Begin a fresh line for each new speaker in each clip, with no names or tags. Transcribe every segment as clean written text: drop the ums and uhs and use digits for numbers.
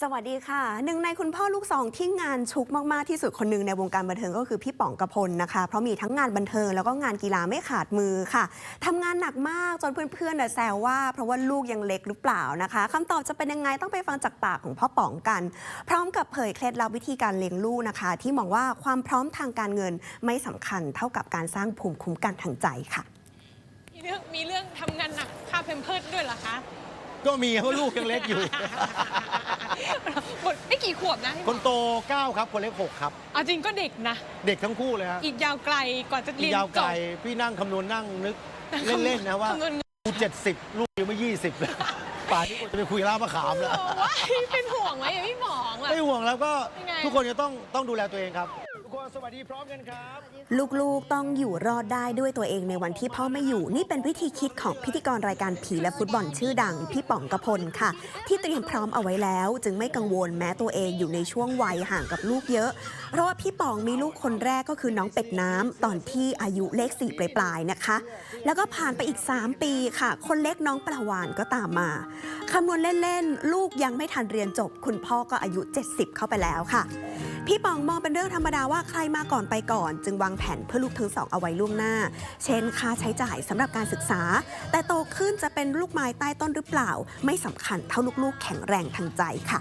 สวัสดีค่ะหนึ่งในคุณพ่อลูกสองที่งานชุกมากๆที่สุดคนหนึ่งในวงการบันเทิงก็คือพี่ป๋องกพลนะคะเพราะมีทั้งงานบันเทิงแล้วก็งานกีฬาไม่ขาดมือค่ะทำงานหนักมากจนเพื่อนๆแซวว่าเพราะว่าลูกยังเล็กหรือเปล่านะคะคำตอบจะเป็นยังไงต้องไปฟังจากปากของพ่อป๋องกัน พร้อมกับเผยเคล็ดลับวิธีการเลี้ยงลูกนะคะที่มองว่าความพร้อมทางการเงินไม่สำคัญเท่ากับการสร้างภูมิคุ้มกันทางใจค่ะ
มีเรื่องทำงานหนักค่าเพมเพิร์สด้วยเหรอคะ
ก็มีเพราะลูกยังเล็กอยู่
หมดไม่กี่ขวบนะ
คนโต9ครับคนเล็ก6ครับ
เอาจริงก็เด็กนะ
เด็กทั้งคู่เลยฮะ
อีกยาวไกลก่อนจะเรียนจบ
ยาวไกลพี่นั่งคำนวณนั่งนึกเล่นๆนะว่าลูก70ลูกยังไม่20เลยป่านนี้จะไปคุยล่ามะขามแล้ว
เป็นห่วงไหมพี่หมอง
ไม่ห่วงแล้วก็ทุกคนจะต้องดูแลตัวเองครับทุกคนสวัสดีพร้อมกันครับ
ลูกๆต้องอยู่รอดได้ด้วยตัวเองในวันที่พ่อไม่อยู่นี่เป็นวิธีคิดของพิธีกรรายการผีและฟุตบอลชื่อดังพี่ป๋องกพลค่ะที่เตรียมพร้อมเอาไว้แล้วจึงไม่กังวลแม้ตัวเองอยู่ในช่วงวัยห่างกับลูกเยอะเพราะว่าพี่ป๋องมีลูกคนแรกก็คือน้องเป็ดน้ำตอนที่อายุเลข4ปลายๆนะคะแล้วก็ผ่านไปอีก3ปีค่ะคนเล็กน้องปลาวานก็ตามมาคำนวณเล่นๆลูกยังไม่ทันเรียนจบคุณพ่อก็อายุ70เข้าไปแล้วค่ะพี่ป๋องมองเป็นเรื่องธรรมดาว่าใครมาก่อนไปก่อนจึงวางแผนเพื่อลูกทั้งสองเอาไว้ล่วงหน้าเช่นค่าใช้จ่ายสำหรับการศึกษาแต่โตขึ้นจะเป็นลูกไม้ใต้ต้นหรือเปล่าไม่สำคัญเท่าลูกๆแข็งแรงทางใจค่ะ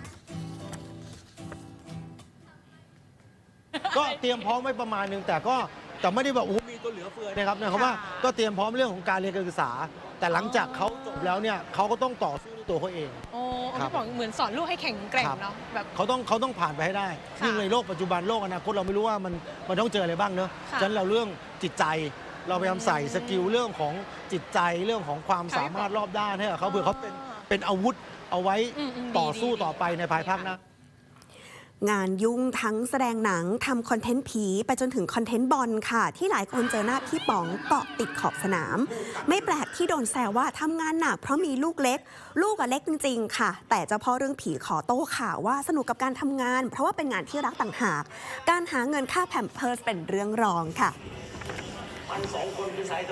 ก็เตรียมพร้อมไว้ประมาณนึงแต่ไม่ได้แบบโอ้มีตัวเหลือเฟือนะครับนะครับว่าก็เตรียมพร้อมเรื่องของการเรียนการศึกษาแต่หลังจากเขาจบแล้วเนี่ยเขาก็ต้องต่อสู้ด้วยตัวเขาเอง
โอ้พี่ป๋องเหมือนสอนลูกให้แข็งแกร่งเนาะแบบ
เขาต้องผ่านไปให้ได้ยิ่งในโลกปัจจุบันโลกอนาคตเราไม่รู้ว่ามันต้องเจออะไรบ้างเนอะฉะนั้นเราเรื่องจิตใจเราพยายามใส่สกิลเรื่องของจิตใจเรื่องของความสามารถรอบด้านให้กับเขาเผื่อเขาเป็นอาวุธเอาไว้ต่อสู้ต่อไปในภายภาคหน้
างานยุ่งทั้งแสดงหนังทำคอนเทนต์ผีไปจนถึงคอนเทนต์บอลค่ะที่หลายคนเจอหน้าพี่ป๋องเกาะติดขอบสนามไม่แปลกที่โดนแซวว่าทำงานหนักเพราะมีลูกเล็กลูกเล็กจริงๆค่ะแต่เจ้าพ่อเรื่องผีขอโต้ข่าวว่าสนุกกับการทำงานเพราะว่าเป็นงานที่รักต่างหากการหาเงินค่าแพมเพิร์สเป็นเรื่องรองค่ะ